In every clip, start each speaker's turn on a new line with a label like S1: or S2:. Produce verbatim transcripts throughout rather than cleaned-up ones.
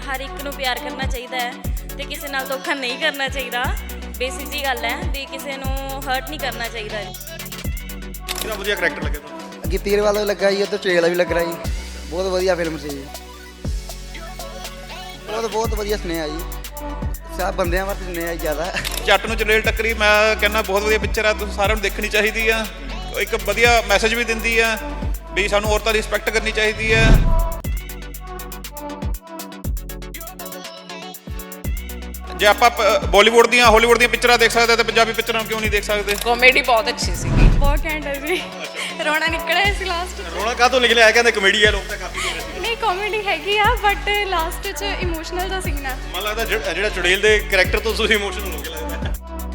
S1: ਹਰ ਇੱਕ ਨੂੰ ਪਿਆਰ ਕਰਨਾ ਚਾਹੀਦਾ ਹੈ ਤੇ ਕਿਸੇ ਨਾਲ ਧੋਖਾ ਨਹੀਂ ਕਰਨਾ ਚਾਹੀਦਾ। ਬੇਸਿਕ ਜੀ ਗੱਲ ਹੈ ਵੀ ਕਿਸੇ ਨੂੰ ਹਰਟ ਨਹੀਂ ਕਰਨਾ ਚਾਹੀਦਾ।
S2: ਕਿਹਦਾ ਵਧੀਆ ਕਰੈਕਟਰ ਲੱਗਿਆ ਤੁਹਾਨੂੰ?
S3: ਗਿੱਪੀ ਗਰੇਵਾਲ ਦਾ ਵੀ ਲੱਗਾ ਜੀ, ਉੱਧਰ ਚੁੜੇਲ ਦਾ ਵੀ ਲੱਗ ਰਿਹਾ ਜੀ। ਬਹੁਤ ਵਧੀਆ ਫਿਲਮ ਸੀ ਜੀ, ਬਹੁਤ ਬਹੁਤ ਵਧੀਆ ਸੁਨੇਹਾ ਜੀ, ਸਭ ਬੰਦਿਆਂ ਵਾਸਤੇ ਸੁਨੇਹਾ ਜੀ ਜ਼ਿਆਦਾ।
S2: ਜੱਟ ਨੂੰ ਚੁੜੇਲ ਟੱਕਰੀ ਮੈਂ ਕਹਿੰਦਾ ਬਹੁਤ ਵਧੀਆ ਪਿਕਚਰ ਆ, ਤੁਸੀਂ ਸਾਰਿਆਂ ਨੂੰ ਦੇਖਣੀ ਚਾਹੀਦੀ ਆ। ਇੱਕ ਵਧੀਆ ਮੈਸੇਜ ਵੀ ਦਿੰਦੀ ਆ ਵੀ ਸਾਨੂੰ ਔਰਤਾਂ ਦੀ ਰਿਸਪੈਕਟ ਕਰਨੀ ਚਾਹੀਦੀ ਆ। ਜੇ ਆਪਾਂ ਬਾਲੀਵੁੱਡ ਦੀਆਂ ਹਾਲੀਵੁੱਡ ਦੀਆਂ ਪਿਕਚਰਾਂ ਦੇਖ ਸਕਦੇ ਤਾਂ ਪੰਜਾਬੀ ਪਿਕਚਰਾਂ ਕਿਉਂ ਨਹੀਂ ਦੇਖ ਸਕਦੇ?
S4: ਕਾਮੇਡੀ ਬਹੁਤ ਅੱਛੀ ਸੀ,
S5: ਬਹੁਤ ਘੈਂਟ ਹੈ ਜੀ। ਰੋਣਾ ਨਿਕਲਿਆ ਸੀ ਲਾਸਟ।
S2: ਰੋਣਾ ਕਾਹਤੋਂ ਨਿਕਲਿਆ? ਆ ਕਹਿੰਦੇ ਕਮੇਡੀ ਆ, ਲੋਕ ਤਾਂ ਕਾਫੀ ਦੇਖ ਰਹੇ ਸੀ।
S5: ਨਹੀਂ ਕਾਮੇਡੀ ਹੈਗੀ ਆ ਬਟ ਲਾਸਟ 'ਚ ਇਮੋਸ਼ਨਲ ਦਾ ਸੀਨ ਆ।
S2: ਮੈਨੂੰ ਲੱਗਦਾ ਜਿਹੜਾ ਜਿਹੜਾ ਚੁੜੇਲ ਦੇ ਕਰੈਕਟਰ ਤੋਂ ਤੁਸੀਂ ਇਮੋਸ਼ਨਲ ਹੋ ਗਏ ਲੱਗਦਾ।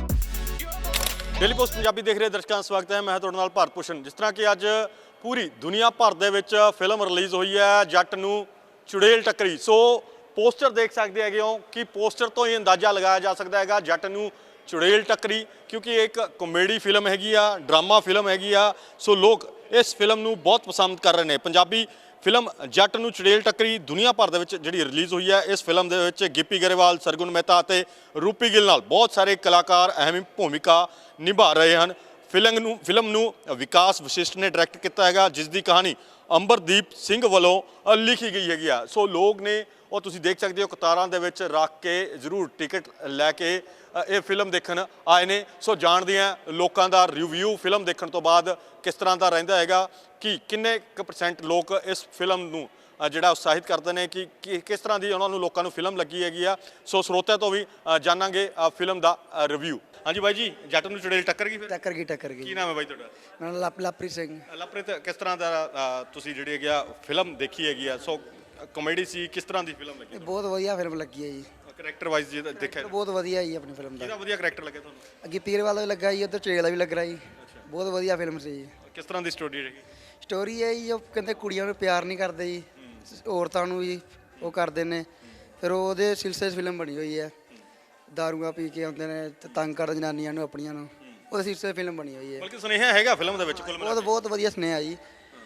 S2: ਡੇਲੀ ਪੋਸਟ ਪੰਜਾਬੀ ਦੇਖ ਰਹੇ ਦਰਸ਼ਕਾਂ ਦਾ ਸਵਾਗਤ ਹੈ। ਮੈਂ ਤੁਹਾਡੇ ਨਾਲ ਭਾਰਤ ਭੂਸ਼ਣ। ਜਿਸ ਤਰ੍ਹਾਂ ਕਿ ਅੱਜ ਪੂਰੀ ਦੁਨੀਆ ਭਰ ਦੇ ਵਿੱਚ ਫਿਲਮ ਰਿਲੀਜ਼ ਹੋਈ ਹੈ ਜੱਟ ਨੂੰ ਚੁੜੇਲ ਟੱਕਰੀ। ਸੋ ਪੋਸਟਰ ਦੇਖ ਸਕਦੇ ਹੈਗੇ ਹੋ ਕਿ ਪੋਸਟਰ ਤੋਂ ਹੀ ਅੰਦਾਜ਼ਾ ਲਗਾਇਆ ਜਾ ਸਕਦਾ ਹੈਗਾ ਜੱਟ ਨੂੰ ਚੁੜੇਲ ਟੱਕਰੀ, ਕਿਉਂਕਿ ਇਹ ਇੱਕ ਕਾਮੇਡੀ ਫਿਲਮ ਹੈਗੀ ਆ, ਡਰਾਮਾ ਫਿਲਮ ਹੈਗੀ ਆ। ਸੋ ਲੋਕ ਇਸ ਫਿਲਮ ਨੂੰ ਬਹੁਤ ਪਸੰਦ ਕਰ ਰਹੇ ਨੇ। ਪੰਜਾਬੀ ਫਿਲਮ ਜੱਟ ਨੂੰ ਚੁੜੇਲ ਟੱਕਰੀ ਦੁਨੀਆ ਭਰ ਦੇ ਵਿੱਚ ਜਿਹੜੀ ਰਿਲੀਜ਼ ਹੋਈ ਹੈ, ਇਸ ਫਿਲਮ ਦੇ ਵਿੱਚ ਗਿੱਪੀ ਗਰੇਵਾਲ, ਸਰਗੁਣ ਮਹਿਤਾ ਅਤੇ ਰੂਪੀ ਗਿੱਲ ਨਾਲ ਬਹੁਤ ਸਾਰੇ ਕਲਾਕਾਰ ਅਹਿਮ ਭੂਮਿਕਾ ਨਿਭਾ ਰਹੇ ਹਨ। ਫਿਲਮ ਨੂੰ ਫਿਲਮ ਨੂੰ ਵਿਕਾਸ ਵਸ਼ਿਸ਼ਟ ਨੇ ਡਾਇਰੈਕਟ ਕੀਤਾ ਹੈਗਾ, ਜਿਸ ਦੀ ਕਹਾਣੀ ਅੰਬਰਦੀਪ ਸਿੰਘ ਵੱਲੋਂ ਲਿਖੀ ਗਈ ਹੈਗੀ ਆ। ਸੋ ਲੋਕ ਨੇ ਉਹ ਤੁਸੀਂ ਦੇਖ ਸਕਦੇ ਹੋ ਕਤਾਰਾਂ ਦੇ ਵਿੱਚ ਰੱਖ ਕੇ ਜ਼ਰੂਰ ਟਿਕਟ ਲੈ ਕੇ ਇਹ ਫਿਲਮ ਦੇਖਣ ਆਏ ਨੇ। ਸੋ ਜਾਣਦੇ ਹਾਂ ਲੋਕਾਂ ਦਾ ਰਿਵਿਊ ਫਿਲਮ ਦੇਖਣ ਤੋਂ ਬਾਅਦ ਕਿਸ ਤਰ੍ਹਾਂ ਦਾ ਰਹਿੰਦਾ ਹੈਗਾ, ਕਿ ਕਿੰਨੇ ਕੁ ਪਰਸੈਂਟ ਲੋਕ ਇਸ ਫਿਲਮ ਨੂੰ ਜਿਹੜਾ ਉਤਸ਼ਾਹਿਤ ਕਰਦੇ ਨੇ, ਕਿ ਕਿਸ ਤਰ੍ਹਾਂ ਦੀ ਉਹਨਾਂ ਨੂੰ ਲੋਕਾਂ ਨੂੰ ਫਿਲਮ ਲੱਗੀ ਹੈਗੀ ਆ। ਸੋ ਸਰੋਤਿਆਂ ਤੋਂ ਵੀ ਜਾਣਾਂਗੇ ਫਿਲਮ ਦਾ ਰਿਵਿਊ। ਹਾਂਜੀ ਬਾਈ ਜੀ, ਜੱਟ ਨੂੰ ਚੁੜੇਲ ਟੱਕਰ ਗਈ? ਫਿਰ
S3: ਟੱਕਰ ਗਈ ਟੱਕਰ ਗਈ।
S2: ਕੀ ਨਾਮ ਹੈ ਬਾਈ ਤੁਹਾਡਾ?
S3: ਮੈਂ ਲਪ ਲਪਰੀ ਸਿੰਘ।
S2: ਲਵਪ੍ਰੀਤ, ਕਿਸ ਤਰ੍ਹਾਂ ਦਾ ਤੁਸੀਂ ਜਿਹੜੀ ਹੈਗੀ ਆ ਫਿਲਮ ਦੇਖੀ ਹੈਗੀ ਆ? ਸੋ ਕਾਮੇਡੀ ਸੀ, ਕਿਸ ਤਰ੍ਹਾਂ ਦੀ ਫਿਲਮ ਲੱਗੀ?
S3: ਬਹੁਤ ਵਧੀਆ ਫਿਲਮ ਲੱਗੀ ਹੈ ਜੀ,
S2: ਕਰੈਕਟਰ ਵਾਈਜ਼ ਜੇ ਦੇਖਿਆ
S3: ਬਹੁਤ ਵਧੀਆ ਜੀ ਆਪਣੀ ਫਿਲਮ ਦਾ।
S2: ਕਿਹਦਾ ਵਧੀਆ ਕਰੈਕਟਰ ਲੱਗਿਆ ਤੁਹਾਨੂੰ?
S3: ਗਿੱਪੀ ਗਰੇਵਾਲ ਦਾ ਵੀ ਲੱਗਾ ਜੀ, ਉੱਧਰ ਚੁੜੇਲ ਦਾ ਵੀ ਲੱਗ ਰਿਹਾ ਜੀ। ਬਹੁਤ ਵਧੀਆ ਫਿਲਮ ਸੀ ਜੀ।
S2: ਕਿਸ ਤਰ੍ਹਾਂ ਦੀ ਸਟੋਰੀ ਰਹੀ?
S3: ਸਟੋਰੀ ਹੈ ਜੀ, ਉਹ ਕਹਿੰਦੇ ਕੁੜੀਆਂ ਨੂੰ ਪਿਆਰ ਨਹੀਂ ਕਰਦੇ ਜੀ, ਔਰਤਾਂ ਨੂੰ ਜੀ ਉਹ ਕਰਦੇ ਨੇ। ਫਿਰ ਉਹਦੇ ਸਿਲਸਿਲੇ 'ਚ ਫਿਲਮ ਬਣੀ ਹੋਈ ਹੈ। ਦਾਰੂਆਂ ਪੀ ਕੇ ਆਉਂਦੇ ਨੇ ਤੇ ਤੰਗ ਕਰਦੇ ਜਨਾਨੀਆਂ ਨੂੰ ਆਪਣੀਆਂ ਨੂੰ, ਉਹਦੇ ਸਿਲਸਿਲੇ ਫਿਲਮ ਬਣੀ ਹੋਈ ਹੈ।
S2: ਬਲਕਿ ਸੁਨੇਹਾ ਹੈਗਾ ਫਿਲਮ ਦੇ ਵਿੱਚ ਕੁੱਲ ਮਿਲਾ
S3: ਬਹੁਤ ਬਹੁਤ ਵਧੀਆ ਸੁਨੇਹਾ ਜੀ,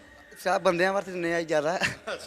S3: ਸਭ ਬੰਦਿਆਂ ਵਾਸਤੇ ਸੁਨੇਹਾ ਜੀ ਜ਼ਿਆਦਾ।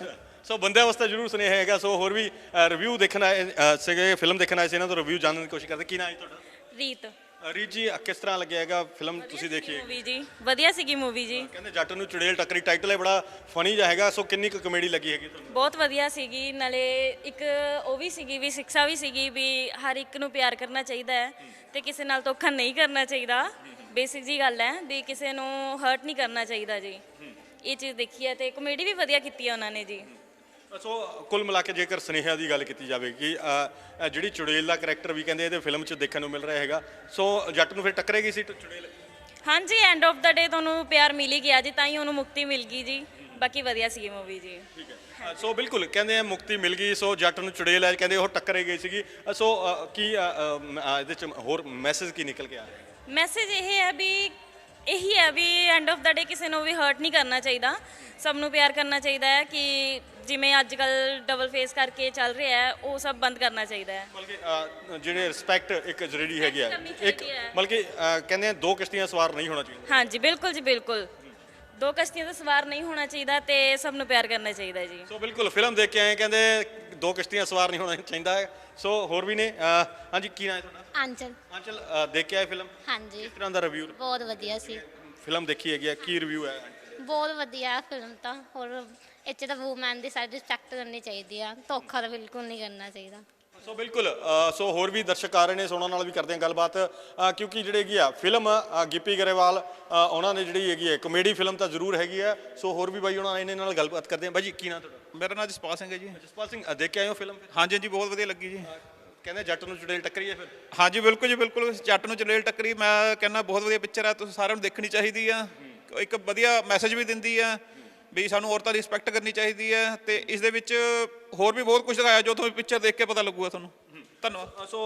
S2: ਸੋ ਬੰਦਿਆਂ ਵਾਸਤੇ ਜ਼ਰੂਰ ਸੁਨੇਹਾ ਹੈਗਾ। ਸੋ ਹੋਰ ਵੀ ਰਿਵਿਊ ਦੇਖਣ ਆਏ ਸੀਗੇ, ਫਿਲਮ ਦੇਖਣ ਆਏ ਸੀ, ਇਹਨਾਂ ਤੋਂ ਰਿਵਿਊ ਜਾਣਨ ਦੀ ਕੋਸ਼ਿਸ਼ ਕਰਦੇ। ਕੀ ਨਾਮ ਹੈ ਤੁਹਾਡਾ?
S1: ਰੀਤ।
S2: ਰੀਤ ਜੀ, ਕਿਸ ਤਰ੍ਹਾਂ ਲੱਗਿਆ ਹੈਗਾ ਫਿਲਮ ਤੁਸੀਂ ਦੇਖੀ?
S1: ਮੂਵੀ ਜੀ ਵਧੀਆ ਸੀਗੀ ਮੂਵੀ ਜੀ।
S2: ਕਹਿੰਦੇ ਜੱਟ ਨੂੰ ਚੁੜੇਲ ਟੱਕਰੀ, ਟਾਈਟਲ ਹੈ ਬੜਾ ਫਨੀ ਜਿਹਾ ਹੈਗਾ। ਸੋ ਕਿੰਨੀ ਕੁ ਕਮੇਡੀ ਲੱਗੀ ਹੈਗੀ ਤੁਹਾਨੂੰ?
S1: ਬਹੁਤ ਵਧੀਆ ਸੀਗੀ, ਨਾਲੇ ਇੱਕ ਉਹ ਵੀ ਸੀਗੀ ਵੀ ਸਿੱਖਿਆ ਵੀ ਸੀਗੀ ਵੀ ਹਰ ਇੱਕ ਨੂੰ ਪਿਆਰ ਕਰਨਾ ਚਾਹੀਦਾ ਹੈ ਤੇ ਕਿਸੇ ਨਾਲ ਧੋਖਾ ਨਹੀਂ ਕਰਨਾ ਚਾਹੀਦਾ। ਬੇਸਿਕ ਜੀ ਗੱਲ ਹੈ ਵੀ ਕਿਸੇ ਨੂੰ ਹਰਟ ਨਹੀਂ ਕਰਨਾ ਚਾਹੀਦਾ ਜੀ। ਇਹ ਚੀਜ਼ ਦੇਖੀ ਹੈ ਤੇ ਕਮੇਡੀ ਵੀ ਵਧੀਆ ਕੀਤੀ ਹੈ ਉਹਨਾਂ ਨੇ ਜੀ।
S2: ਸੋ ਕੁੱਲ ਮਿਲਾ ਕੇ ਜੇਕਰ ਸੁਨੇਹਾ ਦੀ ਗੱਲ ਕੀਤੀ ਜਾਵੇ ਕਿ ਜਿਹੜੀ ਚੁੜੇਲ ਦਾ ਕਰੈਕਟਰ ਵੀ ਕਹਿੰਦੇ ਇਹਦੇ ਫਿਲਮ 'ਚ ਦੇਖਣ ਨੂੰ ਮਿਲ ਰਿਹਾ ਹੈਗਾ, ਸੋ ਜੱਟ ਨੂੰ ਫਿਰ ਟੱਕਰੇਗੀ ਸੀ ਚੁੜੇਲ?
S1: ਹਾਂਜੀ, ਐਂਡ ਆਫ ਦਾ ਡੇ ਤੁਹਾਨੂੰ ਪਿਆਰ ਮਿਲ ਹੀ ਗਿਆ ਜੀ, ਤਾਂ ਹੀ ਉਹਨੂੰ ਮੁਕਤੀ ਮਿਲ ਗਈ ਜੀ। ਬਾਕੀ ਵਧੀਆ ਸੀਗੀ ਮੂਵੀ ਜੀ।
S2: ਠੀਕ ਹੈ। ਸੋ ਬਿਲਕੁਲ ਕਹਿੰਦੇ ਆ ਮੁਕਤੀ ਮਿਲ ਗਈ। ਸੋ ਜੱਟ ਨੂੰ ਚੁੜੇਲ ਹੈ ਕਹਿੰਦੇ ਉਹ ਟੱਕਰੇ ਗਈ ਸੀਗੀ। ਸੋ ਕੀ ਇਹਦੇ 'ਚ ਹੋਰ ਮੈਸੇਜ ਕੀ ਨਿਕਲ ਕੇ ਆ ਰਿਹਾ?
S1: ਮੈਸੇਜ ਇਹ ਹੈ ਵੀ ਇਹੀ ਹੈ ਵੀ ਐਂਡ ਆਫ ਦਾ ਡੇ ਕਿਸੇ ਨੂੰ ਵੀ ਹਰਟ ਨਹੀਂ ਕਰਨਾ ਚਾਹੀਦਾ, ਸਭ ਨੂੰ ਪਿਆਰ ਕਰਨਾ ਚਾਹੀਦਾ ਹੈ। ਕਿ ਜਿਵੇਂ ਅੱਜ ਕੱਲ੍ਹ ਡਬਲ ਫੇਸ ਕਰਕੇ ਚੱਲ ਰਿਹਾ ਹੈ, ਉਹ ਸਭ ਬੰਦ ਕਰਨਾ ਚਾਹੀਦਾ ਹੈ।
S2: ਬਲਕਿ ਜਿਹੜੇ ਰਿਸਪੈਕਟ ਇੱਕ ਜ਼ਰੂਰੀ ਹੈਗੀ ਆ, ਇੱਕ ਬਲਕਿ ਕਹਿੰਦੇ ਆ ਦੋ ਕਿਸ਼ਤੀਆਂ ਸਵਾਰ ਨਹੀਂ ਹੋਣਾ ਚਾਹੀਦਾ।
S1: ਹਾਂਜੀ ਬਿਲਕੁਲ ਜੀ, ਬਿਲਕੁਲ ਦੋ ਕਿਸ਼ਤੀਆਂ ਦਾ ਸਵਾਰ ਨਹੀਂ ਹੋਣਾ ਚਾਹੀਦਾ ਤੇ ਸਭ ਨੂੰ ਪਿਆਰ ਕਰਨਾ ਚਾਹੀਦਾ ਜੀ।
S2: ਸੋ ਬਿਲਕੁਲ ਫਿਲਮ ਦੇਖ ਕੇ ਆਏ, ਕਹਿੰਦੇ ਦੋ ਕਿਸ਼ਤੀਆਂ ਸਵਾਰ ਨਹੀਂ ਹੋਣਾ ਚਾਹੀਦਾ ਹੈ। ਸੋ ਹੋਰ ਵੀ ਨੇ। ਹਾਂਜੀ, ਕੀ ਨਾਮ ਹੈ ਤੁਹਾਡਾ?
S6: ਆਂਚਲ।
S2: ਆਂਚਲ, ਦੇਖ ਕੇ ਆਏ ਫਿਲਮ?
S6: ਹਾਂਜੀ,
S2: ਕਿਸ ਤਰ੍ਹਾਂ ਦਾ ਰਿਵਿਊ?
S6: ਬਹੁਤ ਵਧੀਆ ਸੀ
S2: ਫਿਲਮ ਦੇਖੀ ਹੈਗੀ ਆ, ਕੀ ਰਿਵਿਊ ਹੈ?
S6: ਬਹੁਤ ਵਧੀਆ ਫਿਲਮ ਤਾਂ। ਹੋਰ ਇੱਥੇ ਤਾਂ ਵੂਮੈਨ ਦੀ ਸਾਰੀ ਰਿਸਪੈਕਟ ਕਰਨੀ ਚਾਹੀਦੀ ਆ, ਧੋਖਾ ਤਾਂ ਬਿਲਕੁਲ ਨਹੀਂ ਕਰਨਾ ਚਾਹੀਦਾ।
S2: ਸੋ ਬਿਲਕੁਲ ਸੋ ਹੋਰ ਵੀ ਦਰਸ਼ਕ ਆ ਰਹੇ ਨੇ, ਸੋ ਉਹਨਾਂ ਨਾਲ ਵੀ ਕਰਦੇ ਹਾਂ ਗੱਲਬਾਤ, ਕਿਉਂਕਿ ਜਿਹੜੇ ਹੈਗੀ ਆ ਫਿਲਮ ਗਿੱਪੀ ਗਰੇਵਾਲ ਉਹਨਾਂ ਨੇ ਜਿਹੜੀ ਹੈਗੀ ਹੈ ਕਮੇਡੀ ਫਿਲਮ ਤਾਂ ਜ਼ਰੂਰ ਹੈਗੀ ਆ। ਸੋ ਹੋਰ ਵੀ ਬਾਈ ਉਹਨਾਂ ਇਹਨਾਂ ਨਾਲ ਗੱਲਬਾਤ ਕਰਦੇ ਹਾਂ। ਬਾਈ ਜੀ, ਕੀ ਨਾਮ ਤੁਹਾਡਾ?
S7: ਮੇਰਾ ਨਾਮ ਜਸਪਾਲ ਸਿੰਘ ਹੈ ਜੀ।
S2: ਜਸਪਾਲ ਸਿੰਘ, ਦੇਖ ਕੇ ਆਏ ਹੋ ਫਿਲਮ?
S7: ਹਾਂਜੀ ਹਾਂਜੀ, ਬਹੁਤ ਵਧੀਆ ਲੱਗੀ ਜੀ।
S2: ਕਹਿੰਦੇ ਜੱਟ ਨੂੰ ਚੁੜੇਲ ਟੱਕਰੀ ਹੈ ਫਿਰ?
S7: ਹਾਂਜੀ ਬਿਲਕੁਲ ਜੀ, ਬਿਲਕੁਲ ਜੱਟ ਨੂੰ ਚੁੜੇਲ ਟੱਕਰੀ ਮੈਂ ਕਹਿੰਦਾ ਬਹੁਤ ਵਧੀਆ ਪਿਕਚਰ ਆ, ਤੁਸੀਂ ਸਾਰਿਆਂ ਨੂੰ ਦੇਖਣੀ ਚਾਹੀਦੀ ਆ। ਇੱਕ ਵਧੀਆ ਮੈਸੇਜ ਵੀ ਦਿੰਦੀ ਆ ਵੀ ਸਾਨੂੰ ਔਰਤਾਂ ਦੀ ਰਿਸਪੈਕਟ ਕਰਨੀ ਚਾਹੀਦੀ ਹੈ, ਤੇ ਇਸ ਦੇ ਵਿੱਚ ਹੋਰ ਵੀ ਬਹੁਤ ਕੁਝ ਦਿਖਾਇਆ ਜੋ ਤੁਹਾਨੂੰ ਪਿਕਚਰ ਦੇਖ ਕੇ ਪਤਾ ਲੱਗੂਗਾ ਤੁਹਾਨੂੰ। ਧੰਨਵਾਦ।
S2: ਸੋ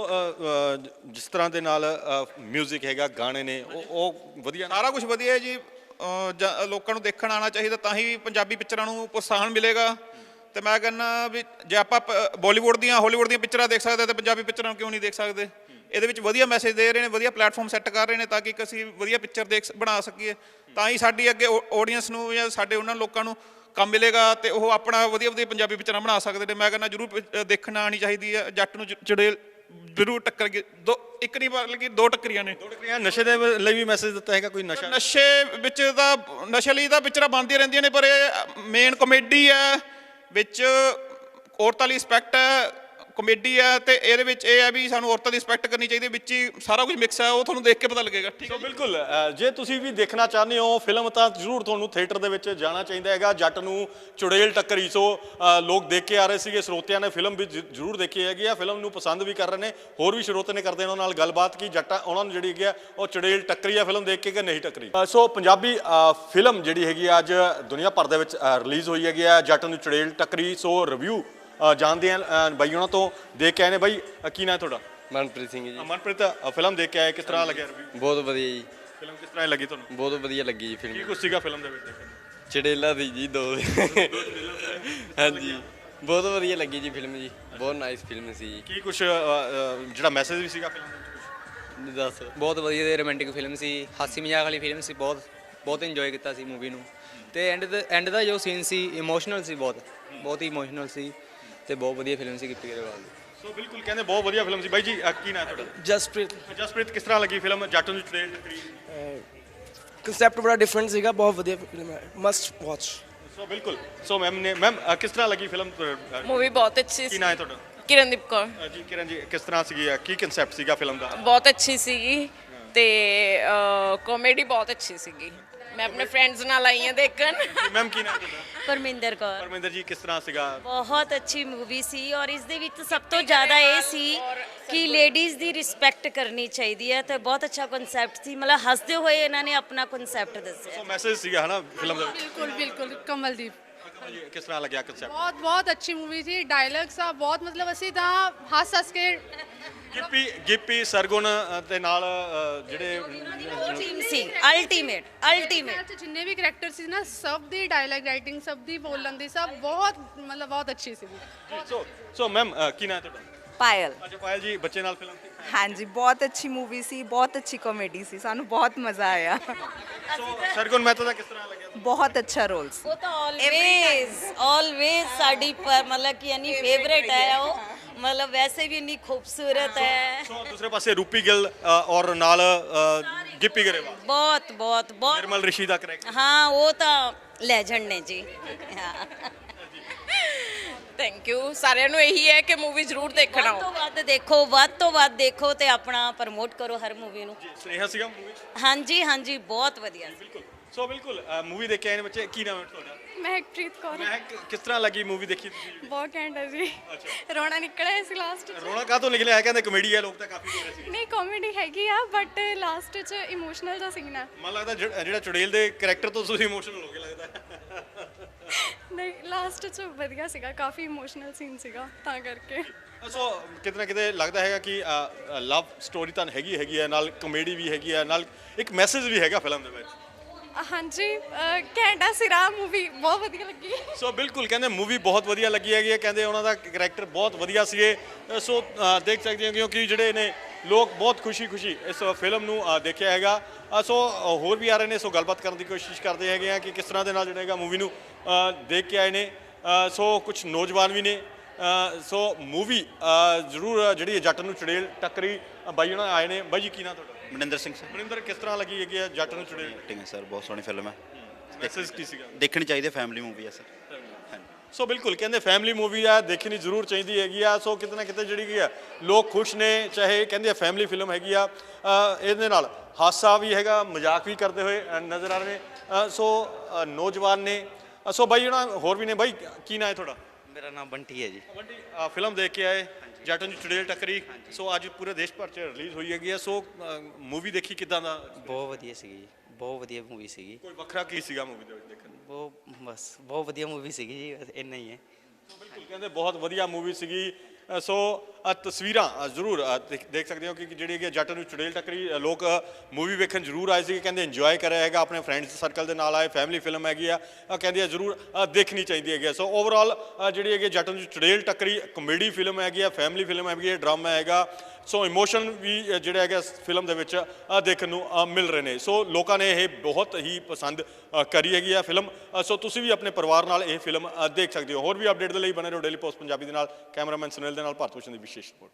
S2: ਜਿਸ ਤਰ੍ਹਾਂ ਦੇ ਨਾਲ ਮਿਊਜ਼ਿਕ ਹੈਗਾ, ਗਾਣੇ ਨੇ, ਉਹ ਉਹ ਵਧੀਆ,
S7: ਸਾਰਾ ਕੁਝ ਵਧੀਆ ਹੈ ਜੀ। ਲੋਕਾਂ ਨੂੰ ਦੇਖਣ ਆਉਣਾ ਚਾਹੀਦਾ, ਤਾਂ ਹੀ ਪੰਜਾਬੀ ਪਿਕਚਰਾਂ ਨੂੰ ਪ੍ਰੋਤਸਾਹਨ ਮਿਲੇਗਾ। ਤੇ ਮੈਂ ਕਹਿੰਦਾ ਵੀ ਜੇ ਆਪਾਂ ਬਾਲੀਵੁੱਡ ਦੀਆਂ ਹਾਲੀਵੁੱਡ ਦੀਆਂ ਪਿਕਚਰਾਂ ਦੇਖ ਸਕਦੇ ਤਾਂ ਪੰਜਾਬੀ ਪਿਕਚਰਾਂ ਨੂੰ ਕਿਉਂ ਨਹੀਂ ਦੇਖ ਸਕਦੇ? ਇਹਦੇ ਵਿੱਚ ਵਧੀਆ ਮੈਸੇਜ ਦੇ ਰਹੇ ਨੇ, ਵਧੀਆ ਪਲੇਟਫਾਰਮ ਸੈੱਟ ਕਰ ਰਹੇ ਨੇ ਤਾਂ ਕਿ ਅਸੀਂ ਵਧੀਆ ਪਿਕਚਰ ਦੇਖ ਬਣਾ ਸਕੀਏ, ਤਾਂ ਹੀ ਸਾਡੀ ਅੱਗੇ ਆਡੀਅנס ਨੂੰ ਜਾਂ ਸਾਡੇ ਉਹਨਾਂ ਲੋਕਾਂ ਨੂੰ ਕੰਮ ਮਿਲੇਗਾ ਤੇ ਉਹ ਆਪਣਾ ਵਧੀਆ ਵਧੀਆ ਪੰਜਾਬੀ ਪਿਕਚਰਾਂ ਬਣਾ ਸਕਦੇ ਨੇ। ਮੈਂ ਕਹਿੰਦਾ ਜ਼ਰੂਰ ਪਿ- ਦੇਖਣ ਆਉਣੀ ਚਾਹੀਦੀ ਹੈ। ਜੱਟ ਨੂੰ ਚ- ਚੁੜੇਲ ਜ਼ਰੂਰ ਟੱਕਰ ਗਈ, ਦੋ ਇੱਕ ਨਹੀਂ ਬਲਕਿ ਦੋ ਟੱਕਰੀਆਂ ਨੇ।
S2: ਦੋ ਟੱਕਰੀਆਂ ਨਸ਼ੇ ਦੇ ਲਈ ਵੀ ਮੈਸੇਜ ਦਿੱਤਾ ਹੈਗਾ ਕੋਈ ਨਸ਼ਾ
S7: ਨਸ਼ੇ ਵਿੱਚ ਤਾਂ ਨਸ਼ੇ ਲਈ ਤਾਂ ਪਿਕਚਰਾਂ ਬਣਦੀਆਂ ਰਹਿੰਦੀਆਂ ਨੇ, ਪਰ ਇਹ ਮੇਨ ਕਮੇਡੀ ਹੈ, ਵਿੱਚ ਔਰਤਾਂ ਲਈ ਰਿਸਪੈਕਟ ਹੈ, ਕਮੇਡੀ ਹੈ, ਤੇ ਇਹਦੇ ਵਿੱਚ ਇਹ ਹੈ ਵੀ ਸਾਨੂੰ ਔਰਤਾਂ ਦੀ ਰਿਸਪੈਕਟ ਕਰਨੀ ਚਾਹੀਦੀ ਹੈ। ਵਿੱਚ ਹੀ ਸਾਰਾ ਕੁਝ ਮਿਕਸ ਹੈ, ਉਹ ਤੁਹਾਨੂੰ ਦੇਖ ਕੇ ਪਤਾ ਲੱਗੇਗਾ। ਠੀਕ ਹੈ
S2: ਸੋ ਬਿਲਕੁਲ ਅ, ਜੇ ਤੁਸੀਂ ਵੀ ਦੇਖਣਾ ਚਾਹੁੰਦੇ ਹੋ ਫਿਲਮ ਤਾਂ ਜ਼ਰੂਰ ਤੁਹਾਨੂੰ ਥੀਏਟਰ ਦੇ ਵਿੱਚ ਜਾਣਾ ਚਾਹੀਦਾ ਹੈਗਾ। ਜੱਟ ਨੂੰ ਚੁੜੇਲ ਟੱਕਰੀ। ਸੋ ਅ, ਲੋਕ ਦੇਖ ਕੇ ਆ ਰਹੇ ਸੀਗੇ, ਸਰੋਤਿਆਂ ਨੇ ਫਿਲਮ ਵੀ ਜ- ਜ਼ਰੂਰ ਦੇਖੀ ਹੈਗੀ ਆ, ਫਿਲਮ ਨੂੰ ਪਸੰਦ ਵੀ ਕਰ ਰਹੇ ਨੇ। ਹੋਰ ਵੀ ਸਰੋਤੇ ਨੇ ਕਰਦੇ ਨੇ ਉਹਨਾਂ ਨਾਲ ਗੱਲਬਾਤ ਕਿ ਜੱਟਾਂ ਉਹਨਾਂ ਨੂੰ ਜਿਹੜੀ ਹੈਗੀ ਆ ਉਹ ਚੁੜੇਲ ਟੱਕਰੀ ਆ ਫਿਲਮ ਦੇਖ ਕੇ ਕਿ ਨਹੀਂ ਟੱਕਰੀ। ਅ, ਸੋ ਪੰਜਾਬੀ ਅ, ਫਿਲਮ ਜਿਹੜੀ ਹੈਗੀ ਆ ਅੱਜ ਦੁਨੀਆ ਭਰ ਦੇ ਵਿੱਚ ਰਿਲੀਜ਼ ਹੋਈ ਹੈਗੀ ਆ, ਜੱਟ ਨੂੰ ਚੁੜੇਲ ਟੱਕਰੀ। ਸੋ ਰਿਵਿਊ ਜਾਣਦੇ ਆ ਬਾਈ ਉਹਨਾਂ ਤੋਂ, ਦੇਖ ਕੇ ਆਏ ਨੇ। ਬਾਈ ਅ, ਕੀ ਨਾਂ ਹੈ ਤੁਹਾਡਾ?
S4: ਮਨਪ੍ਰੀਤ ਸਿੰਘ ਜੀ।
S2: ਮਨਪ੍ਰੀਤ, ਅ, ਫਿਲਮ ਦੇਖ ਕੇ ਆਏ, ਕਿਸ ਤਰ੍ਹਾਂ ਲੱਗਿਆ ਰਿਵਿਊ?
S4: ਬਹੁਤ ਵਧੀਆ ਜੀ,
S2: ਫਿਲਮ ਕਿਸ ਤਰ੍ਹਾਂ ਲੱਗੀ ਤੁਹਾਨੂੰ?
S4: ਬਹੁਤ ਵਧੀਆ ਲੱਗੀ ਜੀ
S2: ਕੀ
S4: ਫਿਲਮ।
S2: ਕੁਛ ਸੀਗਾ ਫਿਲਮ ਦੇ ਵਿੱਚ ਦੇਖਣ ਨੂੰ?
S4: ਚੜੇਲਾ ਦੀ ਜੀ ਦੋ ਹਾਂਜੀ, ਬਹੁਤ ਵਧੀਆ ਲੱਗੀ ਜੀ ਫਿਲਮ ਜੀ, ਬਹੁਤ ਨਾਈਸ ਫਿਲਮ ਸੀ ਜੀ।
S2: ਕੀ ਕੁਛ ਅ, ਅ, ਜਿਹੜਾ ਮੈਸੇਜ ਵੀ ਸੀਗਾ ਫਿਲਮ ਦੇ ਵਿੱਚ?
S4: ਦੱਸ।
S8: ਬਹੁਤ ਵਧੀਆ ਤੇ ਰੋਮਾਂਟਿਕ ਫਿਲਮ ਸੀ, ਹਾਸੀ ਮਜ਼ਾਕ ਵਾਲੀ ਫਿਲਮ ਸੀ। ਬਹੁਤ ਬਹੁਤ ਇੰਜੋਏ ਕੀਤਾ ਸੀ ਮੂਵੀ ਨੂੰ। ਤੇ ਐਂਡ ਦਾ ਐਂਡ ਦਾ ਜੋ ਸੀਨ ਸੀ ਇਮੋਸ਼ਨਲ ਸੀ, ਬਹੁਤ ਬਹੁਤ ਹੀ ਇਮੋਸ਼ਨਲ ਸੀ ਤੇ ਬਹੁਤ ਵਧੀਆ ਫਿਲਮ ਸੀ ਗਿੱਪੀ ਗਰੇਵਾਲ ਦੀ।
S2: ਸੋ ਬਿਲਕੁਲ ਕਹਿੰਦੇ ਬਹੁਤ ਵਧੀਆ ਫਿਲਮ ਸੀ। ਬਾਈ ਜੀ ਅ, ਕੀ ਨਾਂ ਹੈ ਤੁਹਾਡਾ?
S9: ਜਸਪ੍ਰੀਤ।
S2: ਜਸਪ੍ਰੀਤ, ਕਿਸ ਤਰ੍ਹਾਂ ਲੱਗੀ ਫਿਲਮ ਜੱਟ ਨੂੰ ਚੁੜੇਲ ਟੱਕਰੀ?
S9: ਕਨਸੈਪਟ ਬੜਾ ਡਿਫਰੈਂਟ ਸੀਗਾ, ਬਹੁਤ ਵਧੀਆ ਫਿਲਮ ਹੈ, ਮਸਟ ਵਾਚ।
S2: ਸੋ ਬਿਲਕੁਲ। ਸੋ ਮੈਮ ਨੇ ਮੈਮ ਅ, ਕਿਸ ਤਰ੍ਹਾਂ ਲੱਗੀ ਫਿਲਮ?
S10: ਮੂਵੀ ਬਹੁਤ ਅੱਛੀ
S2: ਕੀ
S10: ਸੀ।
S2: ਨਾਂ ਹੈ ਤੁਹਾਡਾ?
S10: ਕਿਰਨਦੀਪ ਕੌਰ।
S2: ਅ, ਜੀ ਕਿਰਨ ਜੀ, ਕਿਸ ਤਰ੍ਹਾਂ ਸੀਗੀ, ਅ, ਕੀ ਕਨਸੈਪਟ ਸੀਗਾ ਫਿਲਮ ਦਾ?
S10: ਬਹੁਤ ਅੱਛੀ ਸੀਗੀ ਤੇ ਕਾਮੇਡੀ ਬਹੁਤ ਅੱਛੀ ਸੀਗੀ। ਮੈਂ ਆਪਣੇ ਫਰੈਂਡਸ ਨਾਲ ਆਈ ਹਾਂ ਦੇਖਣ।
S2: ਮੈਮ ਕੀ ਨਾਂ ਹੈ ਤੁਹਾਡਾ?
S1: ਪਰਮਿੰਦਰ ਕੌਰ।
S2: ਪਰਮਿੰਦਰ ਜੀ, ਕਿਸ ਤਰ੍ਹਾਂ ਸੀਗਾ?
S1: ਬਹੁਤ ਅੱਛੀ ਮੂਵੀ ਸੀ ਔਰ ਇਸ ਦੇ ਵਿੱਚ ਸਭ ਤੋਂ ਜ਼ਿਆਦਾ ਇਹ ਸੀ ਕਿ ਲੇਡੀਜ਼ ਦੀ ਰਿਸਪੈਕਟ ਕਰਨੀ ਚਾਹੀਦੀ ਹੈ ਤੇ ਬਹੁਤ ਅੱਛਾ ਕਨਸੈਪਟ ਸੀ। ਮਤਲਬ ਹੱਸਦੇ ਹੋਏ ਇਹਨਾਂ ਨੇ ਆਪਣਾ ਕਨਸੈਪਟ ਦੱਸਿਆ।
S2: ਸੋ ਮੈਸੇਜ ਸੀਗਾ ਹਨਾ ਫਿਲਮ ਦਾ?
S5: ਬਿਲਕੁਲ ਬਿਲਕੁਲ ਕਮਲਦੀਪ
S2: ਜੀ, ਕਿਸ ਤਰ੍ਹਾਂ ਲੱਗਿਆ ਕਨਸੈਪਟ?
S5: ਬਹੁਤ ਬਹੁਤ ਅੱਛੀ ਮੂਵੀ ਸੀ। ਡਾਇਲੌਗਸ ਆ ਬਹੁਤ, ਮਤਲਬ ਅਸੀਂ ਤਾਂ ਹੱਸ ਹੱਸ ਕੇ
S2: ਗਿੱਪੀ ਗਿੱਪੀ ਸਰਗੁਣ ਅ, ਦੇ ਨਾਲ ਅ, ਜਿਹੜੇ
S1: ਟੀਮ ਸੀ ਅਲਟੀਮੇਟ ਅਲਟੀਮੇਟ।
S5: ਚ ਜਿੰਨੇ ਵੀ ਕਰੈਕਟਰ ਸੀ ਨਾ, ਸਭ ਦੀ ਡਾਇਲੌਗ ਰਾਈਟਿੰਗ, ਸਭ ਦੀ ਬੋਲਣ ਦੀ, ਸਭ ਬਹੁਤ ਮਤਲਬ ਬਹੁਤ ਅੱਛੀ ਸੀ।
S2: ਸੋ ਸੋ ਮੈਮ ਕੀ ਨਾਂ ਹੈ ਤੁਹਾਡਾ?
S11: ਪਾਇਲ।
S2: ਅੱਛਾ ਪਾਇਲ ਜੀ, ਬੱਚੇ ਨਾਲ ਫਿਲਮ ਸੀ?
S11: ਹਾਂਜੀ, ਬਹੁਤ ਅੱਛੀ ਮੂਵੀ ਸੀ, ਬਹੁਤ ਅੱਛੀ ਕਾਮੇਡੀ ਸੀ, ਸਾਨੂੰ ਬਹੁਤ ਮਜ਼ਾ ਆਇਆ।
S2: ਸੋ ਸਰਗੁਣ ਮਹਿਤਾ ਦਾ ਕਿਸ ਤਰ੍ਹਾਂ ਲੱਗਿਆ?
S11: ਬਹੁਤ ਅੱਛਾ ਰੋਲ ਸੀ।
S1: ਉਹ ਤਾਂ ਆਲਵੇਜ਼ ਆਲਵੇਜ਼ ਸਾਡੀ ਪਰ ਮਤਲਬ ਕਿ ਇੰਨੀ ਫੇਵਰੇਟ ਹੈ ਉਹ, ਮਤਲਬ ਵੈਸੇ ਵੀ ਇੰਨੀ ਖੂਬਸੂਰਤ ਹੈ।
S2: ਸੋ ਦੂਸਰੇ ਪਾਸੇ ਰੂਪੀ ਗਿੱਲ ਅ, ਔਰ ਨਾਲ ਅ, ਗਿੱਪੀ ਗਰੇਵਾਲ,
S1: ਬਹੁਤ ਬਹੁਤ ਬਹੁਤ।
S2: ਨਿਰਮਲ ਰਿਸ਼ੀ ਦਾ ਕਰੈਕਟਰ।
S1: ਹਾਂ, ਉਹ ਤਾਂ ਲੈਜੈਂਡ ਨੇ ਜੀ। ਹਾਂ,
S10: ਥੈਂਕ ਯੂ। ਸਾਰਿਆਂ ਨੂੰ ਇਹੀ ਹੈ ਕਿ ਮੂਵੀ ਜ਼ਰੂਰ ਦੇਖਣ
S1: ਵੱਧ
S10: ਆਓ।
S1: ਤੋਂ ਵੱਧ ਦੇਖੋ, ਵੱਧ ਤੋਂ ਵੱਧ ਦੇਖੋ ਤੇ ਆਪਣਾ ਪ੍ਰਮੋਟ ਕਰੋ ਹਰ ਮੂਵੀ ਨੂੰ।
S2: ਸਨੇਹਾ ਸੀਗਾ ਮੂਵੀ?
S1: ਹਾਂਜੀ ਹਾਂਜੀ, ਬਹੁਤ ਵਧੀਆ ਸੀ।
S2: ਬਿਲਕੁਲ। ਸੋ ਬਿਲਕੁਲ ਮੂਵੀ ਦੇਖ ਕੇ ਆਏ ਨੇ ਬੱਚੇ। ਕੀ ਨਾਮ ਹੈ ਤੁਹਾਡਾ?
S5: ਮਹਿਕਪ੍ਰੀਤ ਕੌਰ।
S2: ਮੈਂ ਕਿਸ ਤਰ੍ਹਾਂ ਲੱਗੀ ਮੂਵੀ ਦੇਖੀ ਤੁਸੀਂ?
S5: ਬਹੁਤ ਘੈਂਟ ਹੈ ਜੀ। ਰੋਣਾ ਨਿਕਲਿਆ ਸੀ ਲਾਸਟ ਚ।
S2: ਰੋਣਾ ਕਾਹਤੋਂ ਨਿਕਲਿਆ ਹੈ? ਕਹਿੰਦੇ ਕਮੇਡੀ ਹੈ, ਲੋਕ ਤਾਂ ਕਾਫੀ ਬੋਲ ਰਹੇ ਸੀ।
S5: ਨਹੀਂ, ਕਾਮੇਡੀ ਹੈਗੀ ਆ ਬਟ ਲਾਸਟ ਚ ਇਮੋਸ਼ਨਲ ਦਾ ਸੀਨ ਆ।
S2: ਮਨ ਲੱਗਦਾ ਜਿਹੜਾ ਜਿਹੜਾ ਚੁੜੇਲ ਦੇ ਕਰੈਕਟਰ ਤੋਂ ਤੁਸੀਂ ਇਮੋਸ਼ਨਲ ਹੋ ਗਏ ਲੱਗਦਾ।
S5: ਨਹੀਂ, ਲਾਸਟ ਚ ਵਧੀਆ ਸੀਗਾ, ਕਾਫੀ ਇਮੋਸ਼ਨਲ ਸੀਨ ਸੀਗਾ ਤਾਂ ਕਰਕੇ।
S2: ਸੋ ਕਿਤੇ ਨਾ ਕਿਤੇ ਲੱਗਦਾ ਹੈਗਾ ਕਿ ਲਵ ਸਟੋਰੀ ਤਾਂ ਹੈਗੀ ਹੈਗੀ ਹੈ, ਨਾਲ ਕਮੇਡੀ ਵੀ ਹੈਗੀ ਹੈ, ਨਾਲ ਇੱਕ ਮੈਸੇਜ ਵੀ ਹੈਗਾ ਫਿਲਮ ਦੇ ਵਿੱਚ।
S5: ਹਾਂਜੀ, ਘੈਂਟਾ ਸਿਰਾ ਮੂਵੀ ਬਹੁਤ ਵਧੀਆ ਲੱਗੀ।
S2: ਸੋ ਬਿਲਕੁਲ ਕਹਿੰਦੇ ਮੂਵੀ ਬਹੁਤ ਵਧੀਆ ਲੱਗੀ ਹੈਗੀ ਹੈ, ਕਹਿੰਦੇ ਉਹਨਾਂ ਦਾ ਕਰੈਕਟਰ ਬਹੁਤ ਵਧੀਆ ਸੀਗੇ। ਅ, ਸੋ ਅ, ਦੇਖ ਸਕਦੇ ਹੋ ਕਿਉਂਕਿ ਜਿਹੜੇ ਨੇ ਲੋਕ ਬਹੁਤ ਖੁਸ਼ੀ-ਖੁਸ਼ੀ ਇਸ ਫਿਲਮ ਨੂੰ ਅ, ਦੇਖਿਆ ਹੈਗਾ। ਅ, ਸੋ ਅ, ਹੋਰ ਵੀ ਆ ਰਹੇ ਨੇ, ਸੋ ਗੱਲਬਾਤ ਕਰਨ ਦੀ ਕੋਸ਼ਿਸ਼ ਕਰਦੇ ਹੈਗੇ ਆ ਕਿ ਕਿਸ ਤਰ੍ਹਾਂ ਦੇ ਨਾਲ ਜਿਹੜਾ ਹੈਗਾ ਮੂਵੀ ਨੂੰ ਅ, ਦੇਖ ਕੇ ਆਏ ਨੇ। ਅ, ਸੋ ਕੁਝ ਨੌਜਵਾਨ ਵੀ ਨੇ। ਅ, ਸੋ ਮੂਵੀ ਜ਼ਰੂਰ ਜਿਹੜੀ ਜੱਟ ਨੂੰ ਚੁੜੇਲ ਟੱਕਰੀ, ਅ, ਬਾਈ ਉਹਨਾਂ ਆਏ ਨੇ। ਬਾਈ ਜੀ ਕੀ ਨਾਂ ਤੁਹਾਡਾ?
S12: ਮਨਿੰਦਰ ਸਿੰਘ ਸਰ।
S2: ਮਨਿੰਦਰ, ਕਿਸ ਤਰ੍ਹਾਂ ਲੱਗੀ ਹੈਗੀ ਹੈ ਜੱਟ ਨੂੰ ਚੁੜੇਲ?
S12: ਐਕਟਿੰਗ ਹੈ ਸਰ, ਬਹੁਤ ਸੋਹਣੀ ਫਿਲਮ ਹੈ,
S2: ਮੈਸੇਜ ਕੀ ਸੀਗਾ?
S12: ਦੇਖਣੀ ਚਾਹੀਦੀ, ਫੈਮਿਲੀ ਮੂਵੀ ਹੈ ਸਰ। ਹਾਂਜੀ।
S2: ਸੋ ਬਿਲਕੁਲ ਕਹਿੰਦੇ ਫੈਮਿਲੀ ਮੂਵੀ ਆ, ਦੇਖਣੀ ਜ਼ਰੂਰ ਚਾਹੀਦੀ ਹੈਗੀ ਆ। ਸੋ ਕਿਤੇ ਨਾ ਕਿਤੇ ਜਿਹੜੀ ਕੀ ਆ ਲੋਕ ਖੁਸ਼ ਨੇ, ਚਾਹੇ ਕਹਿੰਦੇ ਆ ਫੈਮਿਲੀ ਫਿਲਮ ਹੈਗੀ ਆ। ਅ, ਇਹਦੇ ਨਾਲ ਹਾਸਾ ਵੀ ਹੈਗਾ, ਮਜ਼ਾਕ ਵੀ ਕਰਦੇ ਹੋਏ ਅ, ਨਜ਼ਰ ਆ ਰਹੇ ਨੇ। ਅ, ਸੋ ਅ, ਨੌਜਵਾਨ ਨੇ। ਅ, ਸੋ ਬਾਈ ਉਹਨਾਂ ਹੋਰ ਵੀ ਨੇ। ਬਾਈ ਕੀ ਨਾਂ ਹੈ ਤੁਹਾਡਾ?
S4: ਮੇਰਾ ਨਾਮ ਬੰਟੀ ਹੈ ਜੀ।
S2: ਬੰਟੀ, ਅ, ਫਿਲਮ ਦੇਖ ਕੇ ਆਏ ਜੱਟ ਨੂੰ ਚੁੜੇਲ ਟੱਕਰੀ। ਸੋ ਅੱਜ ਪੂਰੇ ਦੇਸ਼ ਭਰ 'ਚ ਰਿਲੀਜ਼ ਹੋਈ ਹੈਗੀ ਆ। ਸੋ ਮੂਵੀ ਦੇਖੀ ਕਿੱਦਾਂ ਦਾ?
S4: ਬਹੁਤ ਵਧੀਆ ਸੀਗੀ ਜੀ, ਬਹੁਤ ਵਧੀਆ ਮੂਵੀ ਸੀਗੀ।
S2: ਕੋਈ ਵੱਖਰਾ ਕੀ ਸੀਗਾ ਮੂਵੀ ਦੇ ਵਿੱਚ ਦੇਖਣ ਨੂੰ?
S4: ਬਹੁਤ ਬਸ ਬਹੁਤ ਵਧੀਆ ਮੂਵੀ ਸੀਗੀ ਜੀ, ਬਸ ਇੰਨਾ ਹੀ ਹੈ।
S2: ਸੋ ਬਿਲਕੁਲ ਕਹਿੰਦੇ ਬਹੁਤ ਵਧੀਆ ਮੂਵੀ ਸੀਗੀ। ਅ, ਸੋ ਅ, ਤਸਵੀਰਾਂ ਅ, ਜ਼ਰੂਰ ਅ, ਦੇਖ ਦੇਖ ਸਕਦੇ ਹੋ ਕਿ ਜਿਹੜੀ ਹੈਗੀ ਜੱਟ ਨੂੰ ਚੁੜੇਲ ਟੱਕਰੀ ਅ, ਲੋਕ ਮੂਵੀ ਵੇਖਣ ਜ਼ਰੂਰ ਆਏ ਸੀ, ਕਹਿੰਦੇ ਇੰਜੋਏ ਕਰਿਆ ਹੈਗਾ, ਆਪਣੇ ਫਰੈਂਡਸ ਸਰਕਲ ਦੇ ਨਾਲ ਆਏ, ਫੈਮਿਲੀ ਫਿਲਮ ਹੈਗੀ ਆ, ਅ, ਕਹਿੰਦੇ ਆ ਜ਼ਰੂਰ ਅ, ਦੇਖਣੀ ਚਾਹੀਦੀ ਹੈਗੀ ਆ। ਸੋ ਓਵਰਆਲ ਜਿਹੜੀ ਹੈਗੀ ਜੱਟ ਨੂੰ ਚੁੜੇਲ ਟੱਕਰੀ ਕਮੇਡੀ ਫਿਲਮ ਹੈਗੀ ਆ, ਫੈਮਿਲੀ ਫਿਲਮ ਹੈਗੀ ਹੈ, ਡਰਾਮਾ ਹੈਗਾ। ਸੋ ਇਮੋਸ਼ਨ ਵੀ ਅ, ਜਿਹੜਾ ਹੈਗਾ ਫਿਲਮ ਦੇ ਵਿੱਚ ਅ, ਦੇਖਣ ਨੂੰ ਅ, ਮਿਲ ਰਹੇ ਨੇ। ਸੋ ਲੋਕਾਂ ਨੇ ਇਹ ਬਹੁਤ ਹੀ ਪਸੰਦ ਅ, ਕਰੀ ਹੈਗੀ ਆ ਫਿਲਮ। ਅ, ਸੋ ਤੁਸੀਂ ਵੀ ਆਪਣੇ ਪਰਿਵਾਰ ਨਾਲ ਇਹ ਫਿਲਮ ਅ, ਦੇਖ ਸਕਦੇ ਹੋ। ਹੋਰ ਵੀ ਅਪਡੇਟ ਦੇ ਲਈ ਬਣੇ ਰਹੋ ਡੇਲੀ ਪੋਸਟ ਪੰਜਾਬੀ ਦੇ ਨਾਲ। ਕੈਮਰਾਮੈਨ ਸੁਨੀਲ ਦੇ ਨਾਲ ਭਾਰਤ ਭੂਸ਼ਣ ਦੀ ਵਿਸ਼ੇਸ਼ ਰਿਪੋਰਟ।